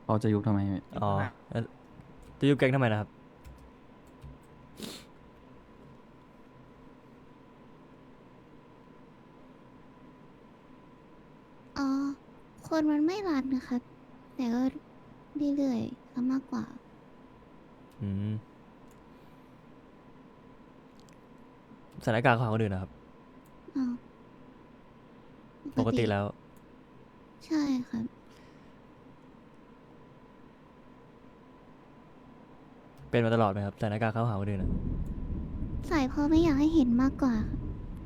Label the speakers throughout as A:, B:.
A: เขาจะยุบทำไม
B: อ๋อแล้วจะยุบแก๊งทำไมนะครับ
C: อ๋อคนมันไม่รัดนะคะแต่ก็เรื่อยๆซะมากกว่า
B: อืมสถานการณ์ของคนอื่นนะครับ
C: อ๋อป
B: ป
C: กติ
B: กติแล้ว
C: ใช่ค่ะ
B: เป็นมาตลอดไหมครับสถานการณ์เข้าหาคนอื่นอะ
C: ใส่เพราะไม่อยากให้เห็นมากกว่าค่ะ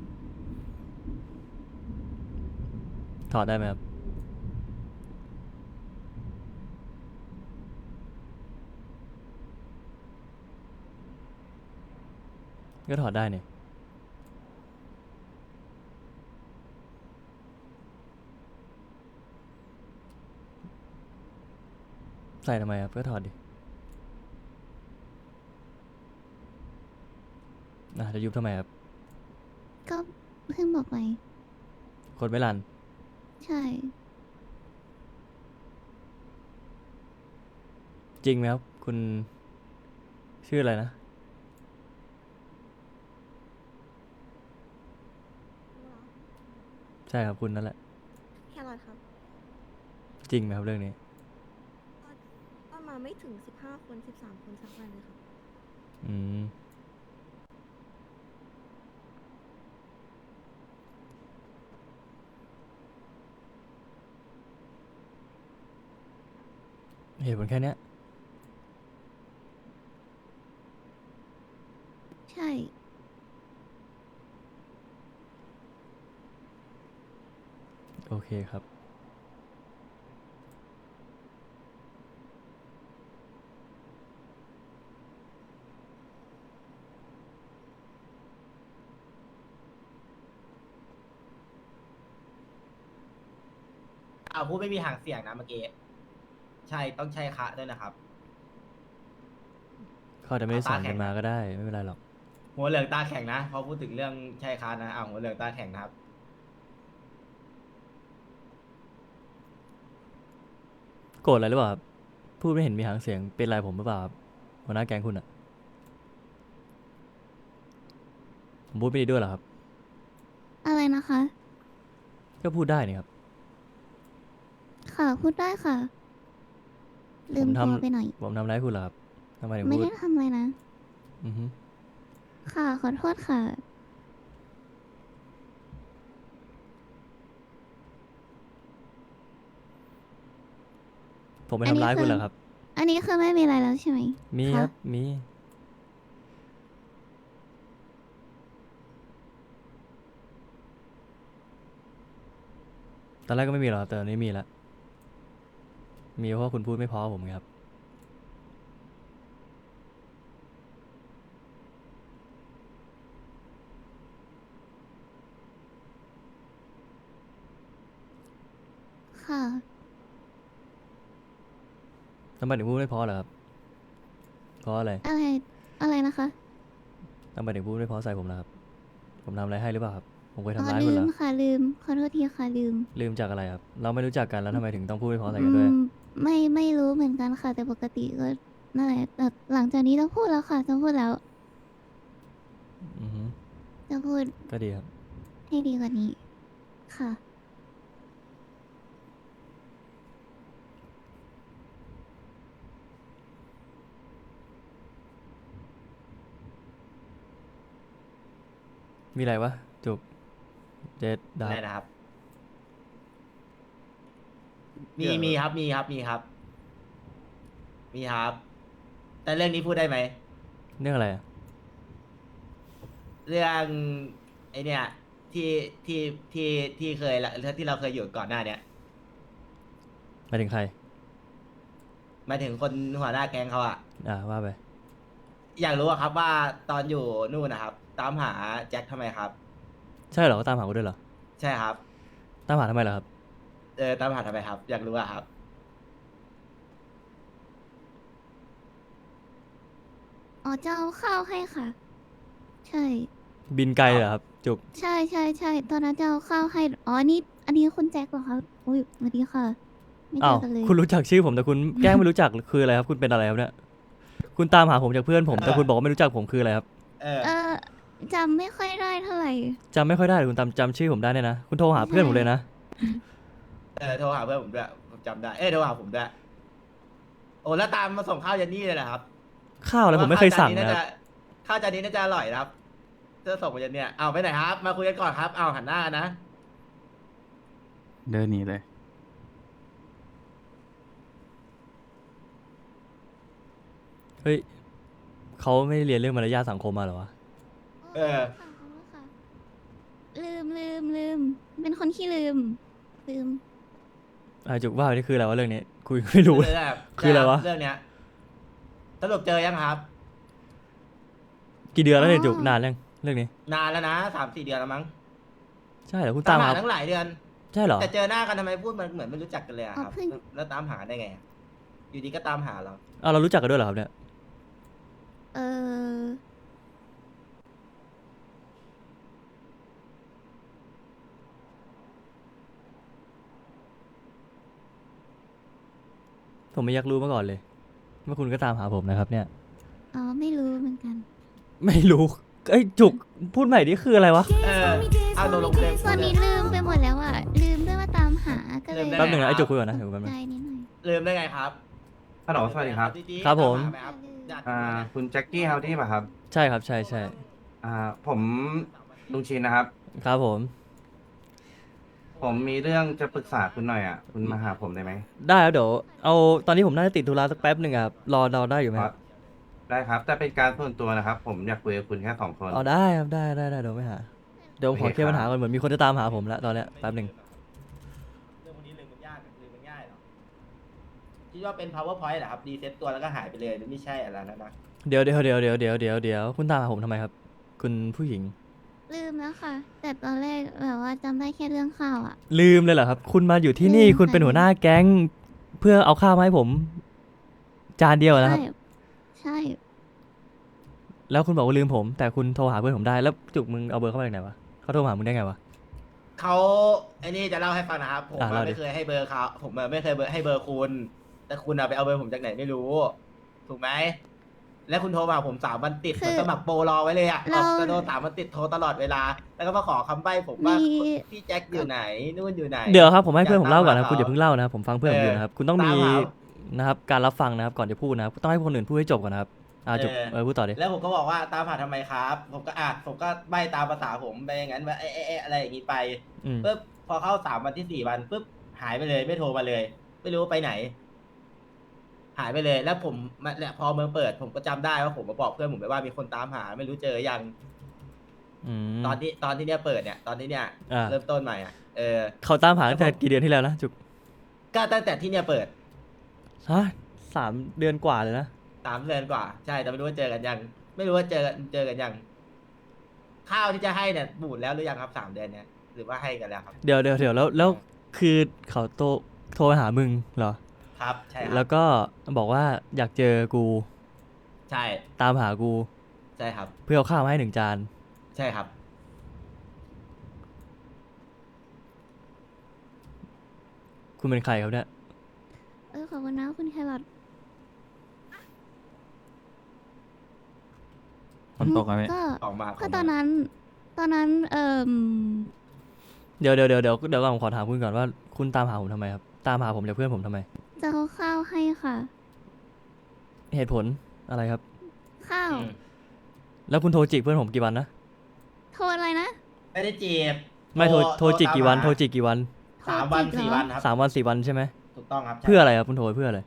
B: ถอดได้ไหมครับ ก็ถอดได้เนี่ยใส่ทำไมครับก็ถอดดิจะยุบทำไมครับ
C: ก็เพิ่งบอกไป
B: คนไม่รัน
C: ใช่
B: จริงไหมครับ คุณชื่ออะไรนะ ใช่ครับคุณนั่นแหละ
D: แครอทครับ
B: จริงไหมครับเรื่องนี้
D: ก็มาไม่ถึง15 คน13 คนสักวันเลยครับ
B: อืมเหตุผลแค่เนี้ย
C: ใช่
B: โอเคครับ
E: พูดไม่มีหางเสียงนะเมื่อกี้ใช่ต้องใช้คะด้วยนะครับ
B: เขาอาจจะไม่ได้สอนกันมา
E: ตาแข็งนะ
B: ก็ได้ ไม่เป็นไรหรอก
E: หัวเหลืองตาแข็งนะพอพูดถึงเรื่องใช่คะนะหัวเหลืองตาแข็งนะครับ
B: โกรธอะไรหรือเปล่าครับ พูดไม่เห็นมีหางเสียง เป็นไรผมหรือเปล่าครับหัวหน้าแก๊งคุณอะผมพูดไม่ดีด้วยเหรอครับ
C: อะไรนะคะ
B: ก็พูดได้นี่ครับ
C: ค่ะพูดได้ค่ะ ลื
B: ผม
C: ม
B: ท
C: ตัวไปหน่อย
B: ำผมทำร้ายคุณเหรอครับทำไมถึง
C: ไม่
B: พูด
C: ได้ทำอะไรนะ
B: อือฮึ
C: ค่ะขอโทษค่ะ
B: ผมไปทำร้ายคุณเหรอครับ
C: อันนี้คือไม่มีอะไรแล้วใช่ไหม
B: มีค
C: ะ
B: รับ มี ตอนแรกก็ไม่มีหรอกครับแต่ตอนนี้มีแล้ว มีเพราะว่าคุณพูดไม่เพอผมไงครับ
C: ค่ะ
B: ทำไมถึงพูดไม่เพอเหรอครับ เพราะอะไร
C: อะไรอะไรนะคะ
B: ทำไมถึงพูดไม่เพอใส่ผมล่ะครับ ผมทำอะไรให้หรือเปล่าครับ ผมเคย
C: อ๋อ
B: ทำร้ายคุ
C: ลื
B: ณเหร
C: ม
B: อ
C: ค่ะลืมขอโทษทีค่ะลืม
B: ลืมจากอะไรครับ เราไม่รู้จักกันแล้วทำไมถึงต้องพูดไม่เพอใส่
C: อื
B: กันด้วย
C: มไม่รู้เหมือนกันค่ะ แต่ปกติก็นั่นแหละแต่หลังจากนี้ต้องพูดแล้วค่ะต้องพูดแล้ว
B: อือฮึ
C: จะพูด
B: ก็ดีครับ
C: ให้ดีกว่านี้ ค่ะ
B: มีอะไรวะ จุก เจ็ดดา
E: อะไร
B: บ
E: นะครับ
B: เดี๋ยว
E: มีครับมีครับมีครับ มีครับ แต่เรื่องนี้พูดได้ไหม
B: เรื่องอะไรอะ
E: เรื่องไอเนี่ยที่ที่ที่ที่เคยละที่เราเคยอยู่ก่อนหน้าเนี่ย
B: หมายถึงใคร
E: หมายถึงคนหัวหน้าแก๊งเขาอะ
B: ว่าไป
E: อยากรู้อะครับว่าตอนอยู่นู่นนะครับ ตามหาแจ็คทำไมครับ
B: ใช่เหรอเขาตามหาคุณด้วยเหรอ
E: ใช่ครับ
B: ตามหาทำไมเหรอครับ
E: ตามหาทำไมครับ อยากรู้อะครับ
C: อ๋อจะเอาข้าวให้ค่ะ ใช่
B: บินไกลเลยเหรอครับ จุก
C: ใช่ตอนนั้นจะเอาข้าวให้ อ๋อ นี่ อันนี้คุณแจ็คเหรอคะอุ้ยสวัสดีค่ะไม่เจ
B: อ้าว
C: อกันเลย
B: คุณรู้จักชื่อผมแต่คุณแกล้งไม่รู้จักคืออะไรครับ คุณเป็นอะไรครับเนี่ย คุณตามหาผมจากเพื่อนผมแต่คุณบอกว่าไม่รู้จักผมคืออะไรครับ
E: เออ
C: เออจำไม่ค่อยได้เท่าไหร่
B: จำไม่ค่อยได้แต่คุณจำชื่อผมได้เนี่ยนะ คุณโทรหาเพื่อนผมเลยนะ
E: โทรหาเพื่อนผมด้วยผมจำได้ โทรหาผมด้วย โอ้แล้วตามมาส่งข้าวเยันนี่เลยนะครับ
B: ข้าวอะไรผมไม่เคยสั่งนะครับ
E: ข้าวจานนี้น่าจะอร่อยนะครับจะส่งมาเยันเนี่ยเอาไปไหนครับ มาคุยกันก่อนครับ เอาหันหน้ากันนะ
A: เดินหนีเลย
B: เฮ้ยเขาไม่ได้เรียนเรื่องมารยาทสังคมมาเหรอวะ
E: เออ
C: ค่ะขอบคุณค่ะลืม เป็นคนขี้ลืม
B: จุกว่านี่คืออะไรวะเรื่องนี้คุยไม่รู้เลย คืออะไรวะ
E: เรื่องเนี้ยสรุปเจอยังครับ
B: กี่เดือนแล้วเนี่ย
C: อ๋อ
B: จุกนานยังเรื่องนี้
E: นานแล้วนะ3-4 เดือนแล้วมั้ง
B: ใช่เหรอคุณ
E: ตา
B: ตาม ม
E: หา
B: หา
E: ทั้งหลายเดือน
B: ใช่เหรอ
E: แต่เจอหน้ากันทำไมพูดมันเหมือนไม่รู้จักกันเลยอะครับ
C: อ๋อเพิ่ง
E: แล้วตามหาได้ไงอะอยู่ดีก็ตามหาเรา
B: เรารู้จักกันด้วยเหรอครับเนี่ย
C: เออ
B: ผมไม่อยากรู้มาก่อนเลยว่าคุณก็ตามหาผมนะครับ เนี่ย
C: อ๋อ ไม่รู้เหมือนกัน
B: ไม่รู้ไอ้ยจุกพูดใหม่ดิคืออะไรวะ
E: เอาลงเลย
C: ตอนนี้ลืมไปหมดแล้วอ่ะ ลืมด้วยว่าตามหา ก็เลย
E: ลืมได้
B: แป๊บหนึงนะไอ้จุกคุยก่อนนะเดี๋ยวแป๊บนึง
C: ใจนิดหน่อย
E: ลืมได้ไงครับ
A: ฮัลโหลสวัสดีครับ
E: ดีๆ
B: ครับผม
E: ตาหาไหครับญาติ
A: คุณแจ็คกี้เฮาดี้ป่ะครับ
B: ใช่ครับใช่ใช่
A: ผมลุงชินนะครับ
B: ครับผม
A: ผมมีเรื่องจะปรึกษาคุณหน่อยอ่ะ คุณมาหาผมได้ไหม
B: ได้ครับเดี๋ยวเอาตอนนี้ผมน่าจะติดธุระสักแป๊บหนึ่งอะครับรอได้อยู่ไหมครับ
A: ได้ครับ แต่เป็นการส่วนตัวนะครับ ผมอยากคุยกับคุณแค่2 คน
B: เอาได้ครับได้เดี๋ยวไม่หาเดี๋ยวผมขอ
A: โอเค
B: เคลียร์ปัญหา
A: ครับ
B: ก่อนเหมือนมีคนจะตามหาผมแล้วตอนเนี้ยแป๊บหนึ่ง
E: เรื่องพวกนี้ลืมมันยากลืมมันง่ายเหรอคิดว่าเป็น powerpoint เหรอครับรีเซ็ตตัวแล้วก็หายไปเลยหรือไม่ใช่อะไรนะนะ
B: เดี๋ยวคุณตามหาผมทำไมครับ คุณผู้หญิง
C: ลืมแล้วค่ะ แต่ตอนแรกแบบว่าจำได้แค่เรื่องข้าวอ่ะ
B: ลืมเลยเหรอครับ คุณมาอยู่ที่นี่
C: ลืม
B: คุณเป็น
C: ค่ะ
B: หัวหน้าแก๊ง เพื่อเอาข้าวมาให้ผม จานเดียวนะครับ
C: ใช่
B: แล้วคุณบอกว่าลืมผม แต่คุณโทรหาเพื่อนผมได้แล้วจุกมึงเอาเบอร์เข้ามาจากไหนวะเขาโทรมาหามึงได้ไงวะ
E: เขาไอ้นี่จะเล่าให้ฟังนะครับ ผม
B: เล่าดิ
E: ไม่เคยให้เบอร์เขาผมไม่เคยให้เบอร์คุณ แต่คุณเอาไปเอาเบอร์ผมจากไหนไม่รู้ ถูกไหม แล้วคุณโทรมาผม3 วันติด
C: คือ
E: มันสมัครโปรรอไว้เลยอะ
C: เรา
E: จะโดน3 วันติดโทรตลอดเวลา แล้วก็มาขอคำใบ้ผมว่า
C: มี
E: พี่แจ็คอยู่ไหนนู่นอยู่ไหน
B: เดี๋ยวครับผมให้เพื่อนผมเล่าก่อนนะ
E: อยาก
B: คุณอย่า
E: ตามหา
B: เพิ่งเล่านะครับผมฟังเพื่อนผมอยู่นะครับ คุณต้องมี
E: ตามหา
B: นะครับการรับฟังนะครับก่อนจะพูดนะครับต้องให้คนอื่นพูดให้จบก่อนนะครับจุกพูดต่อดิ
E: แล้วผมก็บอกว่าตามหาทำไมครับ ผมก็ใบ้ตามภาษาผมไปอย่างนั้นว่าอะไรอย่างนี้ไป
B: อืม
E: ปุ๊บพอเข้า3 วันที่4 วันปุ๊บหายไปเลยไม่โทรมาเลย ไม่รู้ไปไหน หายไปเลยแล้วผมพอเมืองเปิด ผมก็จำได้ว่าผมมาบอกเพื่อนผมไปว่ามีคนตามหา ไม่รู้เจอยัง
B: อืม
E: ตอนที่เนี่ยเปิดเนี่ย ตอนที่เนี่ย
B: อ่า
E: เริ่มต้นใหม่อ่ะ
B: เขาตามหาตั้งแต่กี่เดือนที่แล้วนะจุก
E: ก็ตั้งแต่ที่เนี่ยเปิด
B: ฮะ3 เดือนกว่าเลยนะ
E: 3 เดือนกว่าใช่แต่ไม่รู้ว่าเจอกันยัง ไม่รู้ว่าเจอกันยัง ข้าวที่จะให้เนี่ยบูดแล้วหรือยังครับ3 เดือนเนี่ยหรือว่าให้กันแล้วครับ
B: เดี๋ยวแล้วคือเขาโทรไปหามึงเหรอ
E: ครับใช่ค
B: แล้
E: รั
B: ว
E: บ
B: ก็บอกว่าอยากเจอกู
E: ใช่
B: ตามหากู
E: ใช่ครับ
B: เพื่อเอาข้าวมาให้1 จาน
E: ใช่ครับ
B: คุณเป็นใครครับเนี่ย
C: ขอบคุณนะคุณแครอท
A: ฝนตกไหม
C: ก็
E: ออกมา
C: ก็ตอนนั้น
B: เดี๋ยวก่อนผมขอถามคุณก่อนว่าคุณตามหาผมทำไมครับตามหาผมจากเพื่อนผมทำไม
C: จะเอาข้าวให้ค่ะ
B: เหตุผลอะไรครับ
C: ข้าว
E: อืม
B: แล้วคุณโทรจีบเพื่อนผมกี่วันนะ
C: โทรอะไรนะ
E: ไม่ได้จีบ
B: ไม่โทรจีบกี่วัน
E: ตามหา
B: โทรจีบกี่วัน
E: 3 วัน
C: โทรจีบเหรอ
E: 4 วันครับ
B: 3 วัน 4 วันใช่ไหม
E: ถูกต้องครับใช่
B: เพื่ออะไรครับคุณโทรไปเพื่ออะไร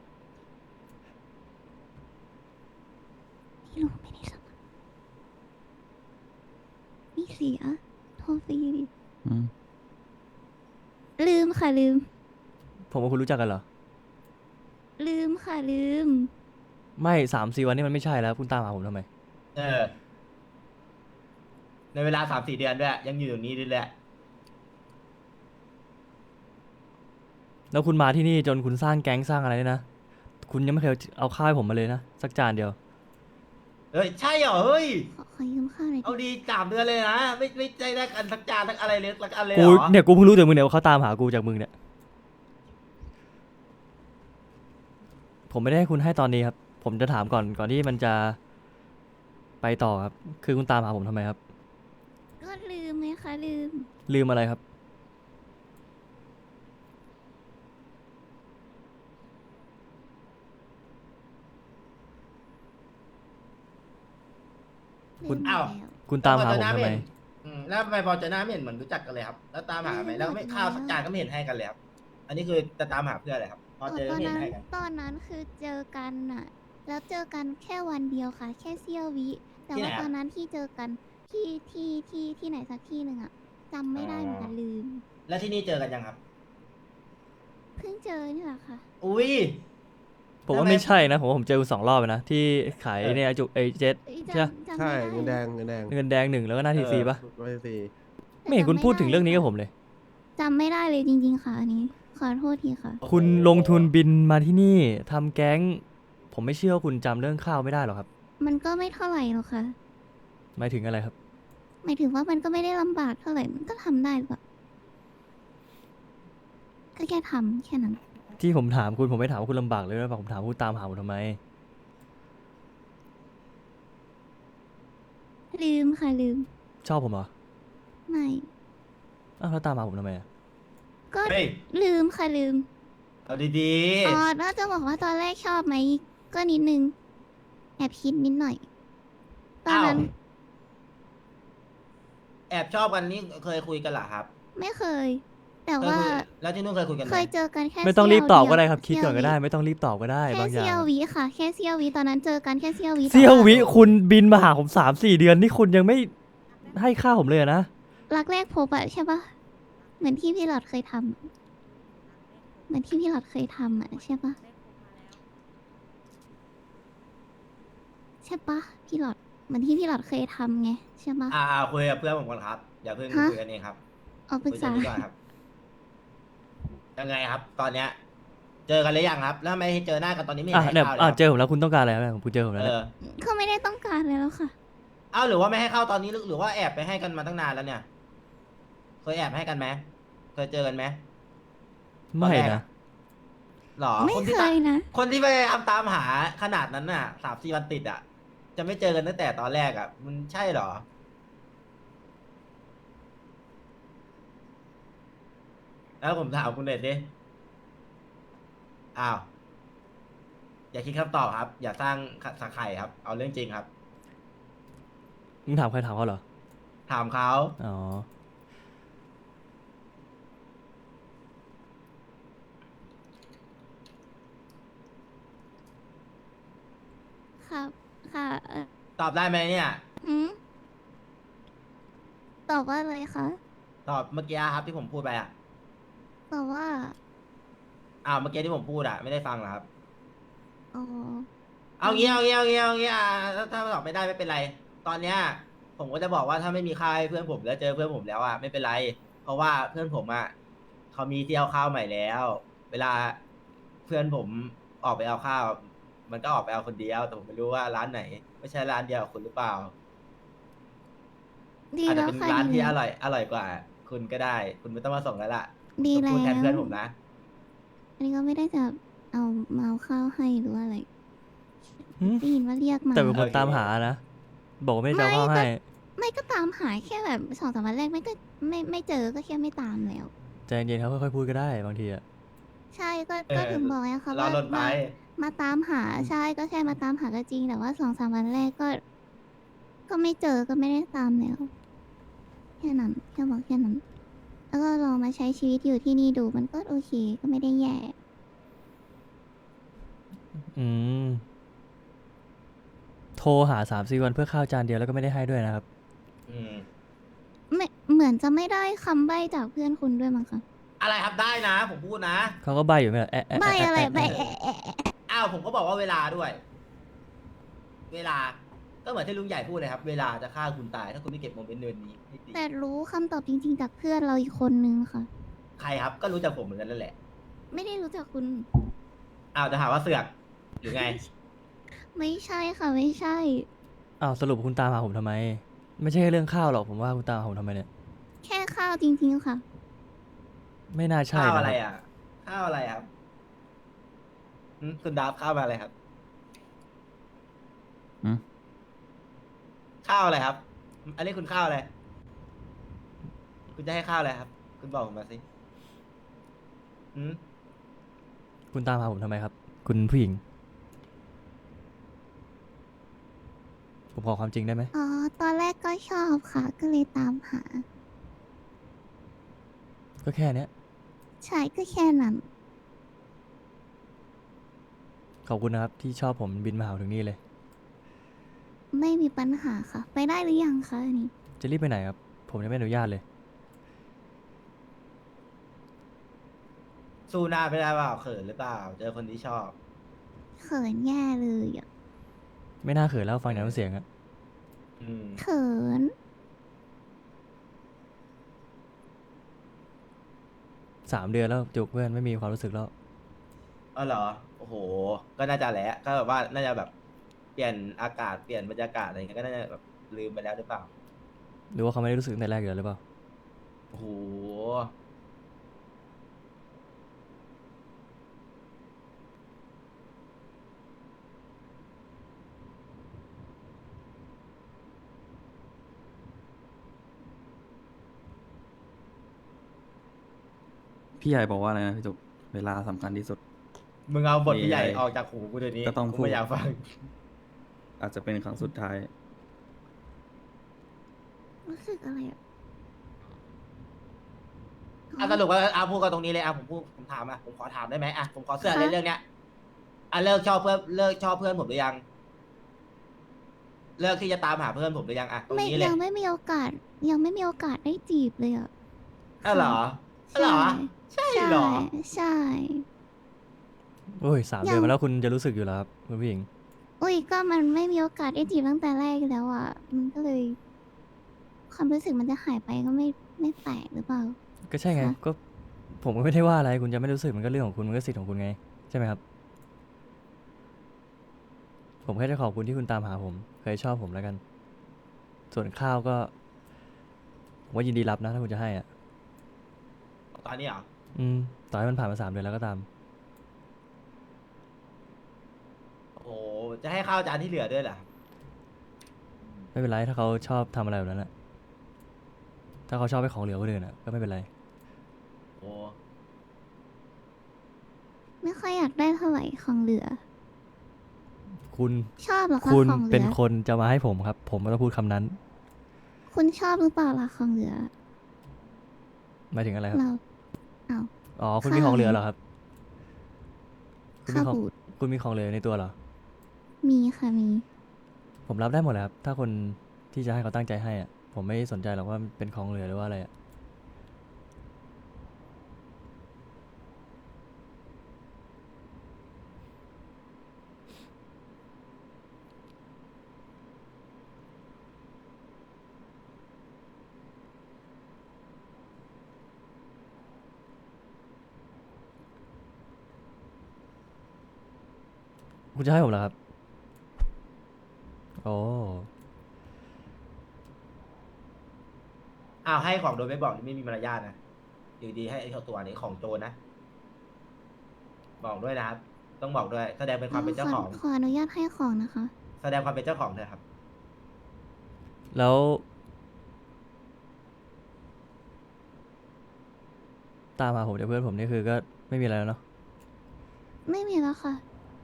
C: ไม่รู้ไม่ได้สมัครนี่เสียโทรฟรีดิ
A: อืม
C: ลืมค่ะลืม
B: ผมกับคุณรู้จักกันเหรอ
C: ลืมค่ะลืม
B: ไม่3-4 วันนี่มันไม่ใช่แล้ว คุณตามหาผมทำไม
E: ในเวลา3-4 เดือนด้วย ยังอยู่ตรงนี้ด้วยแหละ
B: แล้วคุณมาที่นี่จนคุณสร้างแก๊งสร้างอะไรเนี่ยนะ คุณยังไม่เคยเอาข้าวให้ผมมาเลยนะสักจานเดียว
E: เฮ้ย ใช่เหรอ เฮ้ย
C: ขอยืมข้าวหน่อย
E: เอา
C: ดิ
E: ดี3 เดือนเลยนะ ไม่ใจได้กันสักจานสักอะไรเลยสักอันเลยเห
B: กู
E: รอ
B: เนี่ยกูเพิ่งรู้จากมึงเนี่ยว่าเขาตามหากูจากมึงเนี่ยผมไม่ได้ให้คุณให้ตอนนี้ครับ ผมจะถามก่อนที่มันจะไปต่อครับ คือคุณตามหาผมทำไมครับ
C: ก็ลืมไหมคะลืม
B: ลืมอะไรครับ คุ
C: ลื
B: ณ
C: ม
E: อ้าว
C: แล้ว
B: คุณตามหาผมทำไม
E: แล้วทำไมพอเจอหน้าไม่เห็นเหมือนรู้จักกันเลยครับ แล้วตามหาไหมแล้วไม่ข้าวสักจานก็ไม่เห็นให้กันเลยครับ อันนี้คือจะตามหาเพื่ออะไรครับ พอเจอ
C: ตอน
E: ไม่เห็
C: นั้น น
E: ให้กัน
C: ตอนนั้นคือเจอกันน่ะ แล้วเจอกันแค่วันเดียวค่ะ แค่เสี้ยววิ แต่
E: ที่ไหน
C: ว่า
E: อะ
C: ตอนนั้นที่เจอกันที่ไหนสักที่หนึ่งอะจำไม่ได้เหมือนกันลืม
E: แล้วที่นี่เจอกันยังครับ
C: เพิ่งเจอนี่แหละค่ะ
E: อุ้ย
B: ผมว่า
E: ทำไม
B: ไม่ใช่นะ ผมว่าผมเจอคุณ2 รอบแล้วนะ ที่ขาย
E: เออ
B: เนี่ยจุไอเจ็ด
C: เอ้ย
B: ใช่ปะ
C: จำ
F: ใช่
C: ไม่ได้
F: เงินแดง
B: เงินแดง 1 แล้วก็หน้าที
E: เออ
B: ซีปะ
F: ร้อยสี่
B: ไม่เห็นคุณพูดถึงเรื่องนี้กับผมเลย
C: จำไม่ได้เลยจริง ๆ ค่ะอันนี้ ขอโทษทีค่ะ
B: คุณลงทุนบินมาที่นี่ทำแก๊ง ผมไม่เชื่อว่าคุณจำเรื่องข้าวไม่ได้หรอกครับ
C: มันก็ไม่เท่าไหร่หรอกค่ะ
B: หมายถึงอะไรครับ
C: หมายถึงว่ามันก็ไม่ได้ลำบากเท่าไหร่ มันก็ทำได้หรือเปล่าก็แค่ทำแค่นั้น
B: ที่ผมถามคุณผมไม่ถามว่าคุณลำบากเลยหรือเปล่าผมถามว่าคุณตามหาผมทำไม
C: ลืมค่ะลืม
B: ชอบผมเหรอ
C: ไม่
B: อ้าวแล้วตามหาผมทำไมอะ
C: ก็
E: เฮ้ย
C: ลืมค่ะลืม
E: เอาดี
C: อ๋อน่าจะบอกว่าตอนแรกชอบไหม ก็นิดนึง แอบคิดนิดหน่อย
E: ๆ
C: ตอน
E: อ้าว
C: นั้น
E: แอบชอบกันนี่เคยคุยกันเหรอครับ
C: ไม่เคย แต่
E: เคย
C: ว่า
E: คุยแล้วที่นู่นเคยคุยกันไหม
C: เคยเจอกันแค่
B: ไม่ต้องรีบตอบก็ได้
C: เสี้ยว
B: ครับ คิดก่อนก็ได้ ไม่ต้องรีบตอบก็ได้
C: แค่
B: บางอย่า
C: เสี้ยว
B: ง
C: วิค่ะ แค่เสี้ยววิตอนนั้นเจอกันแค่เสี้ยววิ
B: เสี้ยว
C: แต่า
B: วิคุณบินมาหาผม3-4 เดือนนี่คุณยังไม่ให้ค่าผมเลยอะนะ
C: รักแรกพบอะใช่ปะเหมือนที่พี่หลอดเคยทำเหมือนที่พี่หลอดเคยทำอะใช่ปะใช่ปะพี่หลอดเหมือนที่พี่หลอดเคยทำไงใช่ปะ
E: คุยกับเพื่อนผมก่อนครับ อย่าเพิ่ง
C: ฮะ
E: คุยกันเองครับ
C: เอาปรึก
E: คุย
C: ษา
E: กันนี้ก่อนครับ ยังไงครับ ตอนเนี้ย เจอกันหรือยังครับ แล้วทำไม่ให้เจอหน้ากันตอนนี้ไม่เห็
B: อ่ะ
E: นให้
B: เนี่ย
E: ข้าวเลย
B: อ่ะ
E: ครับ
B: เจอผมแล้วคุณต้องการอะไรครับผมเจอผมแล้ว
E: เอ
B: เนี่ย
E: อ
C: เขาไม่ได้ต้องการเลยแล้วค่ะ
E: เอ้าหรือว่าไม่ให้เข้าตอนนี้หรือว่าแอบไปให้กันมาตั้งนานแล้วเนี่ย เคยแอบให้กันไหมเคยเจอกันไหม
B: ไม่
E: ตอนแรก
B: นะ
E: อะ หรอ
C: ไม่
E: คนที่
C: เคยนะ
E: คนที่พยายามตามหาขนาดนั้นน่ะ3-4 วันติดอ่ะ จะไม่เจอกันตั้งแต่ตอนแรกอ่ะ มันใช่เหรอ แล้วผมถามคุณเน็ตดิอ้าว อย่าคิดคำตอบครับ อย่าสร้างสักไข่ครับ เอาเรื่องจริงครับ
B: มึงถามใครถามเขาเหรอ
E: ถามเขา
B: อ๋อ
C: ครับค่ะ
E: ตอบได้ไหมเนี่ย
C: หืมตอบว่าอะไรคะ
E: ตอบเมื่อกี้ครับที่ผมพูดไปอ่ะ
C: ตอบว่า
E: อ้าวเมื่อกี้ที่ผมพูดอ่ะไม่ได้ฟังเหรอครับ
C: อ๋อ
E: เอางี้ถ้าตอบไม่ได้ไม่เป็นไร ตอนเนี้ยผมก็จะบอกว่าถ้าไม่มีค่าให้เพื่อนผมแล้วเจอเพื่อนผมแล้วอ่ะไม่เป็นไร เพราะว่าเพื่อนผมอ่ะเขามีที่เอาข้าวใหม่แล้ว เวลาเพื่อนผมออกไปเอาข้าว มันก็ออกไปเอาคนเดียว แต่ผมไม่รู้ว่าร้านไหน ไม่ใช่ร้านเดียวกับคุณหรือเปล่า
C: ดี
E: อาจจะ
C: แล้ว
E: เป็น
C: ค่ะ
E: ร้าน
C: ดี
E: ที่อ
C: แล้ว
E: ร่อยกว่า คุณก็ได้ คุณไม่ต้องมาส่งแล้วล่ะ
C: ดี
E: ผม
C: แล้
E: พูดแทนเพื่อน
C: ว
E: ผมนะ
C: อันนี้ก็ไม่ได้จะเอามาเอาข้าวให้หรือว่าอะไร
B: หืม
C: ได้ยินว่าเรียกมา
B: แต่เป็นคน
E: โอเค
B: ตามหานะ บอกว่าไม่ได้จะเอาข้าวให้
C: ไม่ก็ตามหาแค่แบบ2-3 วันแรกไม่ก็ไม่เจอก็แค่ไม่ตามแล้ว
B: ใจเย็นๆเขาค่อยๆพูดก็ได้บางทีอะ
C: ใช่ก็
E: เออ
C: ถึงบอกไงคะ
E: รอ
C: ว่า
E: ลนไป
C: มาตามหาใช่ก็แค่มาตามหาก็จริง แต่ว่า2-3 วันแรกก็ไม่เจอก็ไม่ได้ตามแล้วแค่นั้นแค่บอกแค่นั้น แล้วก็ลองมาใช้ชีวิตอยู่ที่นี่ดูมันก็โอเคก็ไม่ได้แย่
B: อืม โทรหา3-4 วันเพื่อข้าวจานเดียวแล้วก็ไม่ได้ให้ด้วยนะครับ
E: อืม
C: ไม่เหมือนจะไม่ได้คำใบ้จากเพื่อนคุณด้วยมั้งคะ
E: อะไรครับได้นะ ผมพูดนะ
B: เขาก็ใบอยู่ไม่เหรอแอะแอะ
C: ใบ้อะไร
B: แแ
C: ใบ้
E: อ้าวผมก็บอกว่าเวลาด้วย เวลา ก็เหมือนที่ลุงใหญ่พูดเลยครับ เวลาจะฆ่าคุณตาย ถ้าคุณไม่เก็บโมเมนต์เนินนี้ให้ดี
C: แต่รู้คำตอบจริง ๆ จากเพื่อนเราอีกคนนึงค่ะ
E: ใครครับ ก็รู้จักผมเหมือนกันนั่นแหละ
C: ไม่ได้รู้จักคุณ
E: อ้าวจะหาว่าเสือกหรือไง
C: ไม่ใช่ค่ะไม่ใช่
B: อ้าวสรุปคุณตามหาผมทำไม ไม่ใช่แค่เรื่องข้าวหรอกผมว่าคุณตามหาผมทำไมเนี่ย
C: แค่ข้าวจริง ๆ ค่ะ
B: ไม่น่าใช่
E: ข้าว
B: นะ
E: อะไร
B: ครับ
E: อ่ะ ข้าวอะไรครับคุณดาบข้าวมาอะไรครับ
F: หืม
E: ข้าวอะไรครับ อันนี้คุณข้าวอะไร คุณจะให้ข้าวอะไรครับ คุณบอกผมมาสิอืม
B: คุณตามหาผมทำไมครับ คุณผู้หญิง ผมขอความจริงได้ไหม
C: อ๋อ ตอนแรกก็ชอบค่ะ ก็เลยตามหา
B: ก็แค่เนี้ย
C: ใช่ก็แค่นั้น
B: ขอบคุณนะครับที่ชอบผมบินมาหาถึงนี่เลย
C: ไม่มีปัญหาค่ะ ไปได้หรือยังคะอันนี้
B: จะรีบไปไหนครับ ผมยังไม่อนุญาตเลย
E: สู้หน้าไม่ได้เปล่าเขินหรือเปล่า เจอคนที่ชอบ
C: เขินแย่เลยอ่ะ
B: ไม่น่าเขินแล้วฟังจากน้ำเสียงอะ
E: อืม
C: เขิน
B: 3 เดือนแล้วจุกเพื่อนไม่มีความรู้สึกแล้ว
E: อ๋อเหรอ โอ้โห ก็น่าจะแหละก็แบบว่าน่าจะแบบเปลี่ยนอากาศเปลี่ยนบรรยากาศอะไรเงี้ยก็น่าจะแบบลืมไปแล้วหรือเปล่า
B: หรือว่าเขาไม่ได้รู้สึกตั้งแต่แรกอยู่แล้วหรือเปล่า
E: โอ้โห
F: พี่ใหญ่บอกว่าอะไรนะพี่จุกเวลาสำคัญที่สุด
E: มึงเอาบทพี่ใหญ่
F: มีอะไร
E: ออกจากหูกูเดี๋ยวนี้
F: ก็ต้อง
E: กู
F: พูด
E: ไม่อยากฟัง
F: อาจจะเป็นครั้งสุดท้าย
C: รู้สึกอะไรอ่ะ
E: สรุปว่าพูดกันตรงนี้เลยผมถามผมขอถามได้ไหมผมขอเสื้อ
C: ค่ะ
E: เรื่องเนี้ยเลิกชอบเพื่อนผมหรือยัง เลิกที่จะตามหาเพื่อนผมหรือยังตรง
C: ไม่
E: นี้เลย
C: ยังไม่มีโอกาส ยังไม่มีโอกาสได้จีบเลยอ่ะ
E: เหรอเหรอ ใช่เหรอ
C: ใช่
B: โอ้ย3 เดือนมาแล้วคุณจะรู้สึกอยู่แล้วครับคุณผู้หญิง
C: อุ้ยก็มันไม่มีโอกาสได้จีบตั้งแต่แรกแล้วอ่ะ มันก็เลย ความรู้สึกมันจะหายไปก็ไม่แปลกหรือเปล่า
B: ก็ใช่ไง
C: ค่ะ
B: ก็ผมก็ไม่ได้ว่าอะไร คุณจะไม่รู้สึกมันก็เรื่องของคุณ มันก็สิทธิ์ของคุณไง ใช่ไหมครับ ผมแค่จะขอบคุณที่คุณตามหาผม เคยชอบผมแล้วกัน ส่วนข้าวก็ผมว่ายินดีรับนะถ้าคุณจะให้อ่ะ
E: ตอนนี้เหรอ
B: ต่อให้มันผ่านมา3 เดือนแล้วก็ตาม
E: โอ้โหจะให้ข้าวจานที่เหลือด้วยเหรอ
B: ไม่เป็นไรถ้าเขาชอบทำอะไรแบบนั้นอะถ้าเขาชอบให้ของเหลือคนอื่นอะก็ไม่เป็นไร
E: โอ้
C: ไม่ค่อยอยากได้เท่าไหร่ของเหลือ
B: คุณ
C: ชอบเหรอคะ
B: คุณ
C: ของเหลื
B: เป็น
C: อ
B: คนจะมาให้ผมครับ ผมไม่ต้องพูดคำนั้น
C: คุณชอบหรือเปล่าล่ะของเหลือ
B: หมายถึงอะไรครับ
C: เราเอา
B: อ๋อ คุณ
C: ข้าว
B: มีของเหลือเหรอครับ คุณมี
C: ข้าว
B: ของ
C: บูด
B: คุณมีของเหลือในตัวเหรอ
C: มีค่ะมี
B: ผมรับได้หมดเลยครับ ถ้าคนที่จะให้เขาตั้งใจให้อะผมไม่สนใจหรอกว่าเป็นของเหลือหรือว่าอะไรอะคุณจะให้ผมเหรอครับ โอ้
E: ให้ของโดยไม่บอกนี่ไม่มีมารยาทนะอยู่ดีให้ไอ้ตัวนี้ของโจรนะ บอกด้วยนะครับ ต้องบอกด้วย แสดงเป็นความเป็นเจ้าของ
C: ขออนุญาตให้ของนะคะ
E: แสดงความเป็นเจ้าของเถอะครับ
B: แล้ว ตามหาผมจากเพื่อนผมนี่คือก็ไม่มีอะไรแล้วเนาะ
C: ไม่มีแล้วค่ะ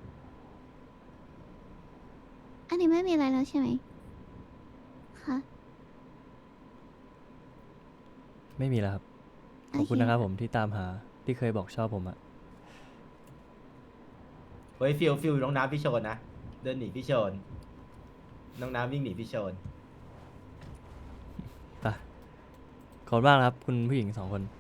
C: อันนี้ไม่มีอะไรแล้วใช่ไหมคะ
B: ไม่มีแล้วครับ ข
C: โอ
B: อบ
C: เค
B: คุณนะครับผมที่ตามหาที่เคยบอกชอบผมอะ
E: เฮ้ยฟิลน้องน้ำพี่โชนนะ เดินหนีพี่โชน น้องน้ำวิ่งหนีพี่โชน
B: ไปขอบคุณมากนะครับ คุณผู้หญิง2 คน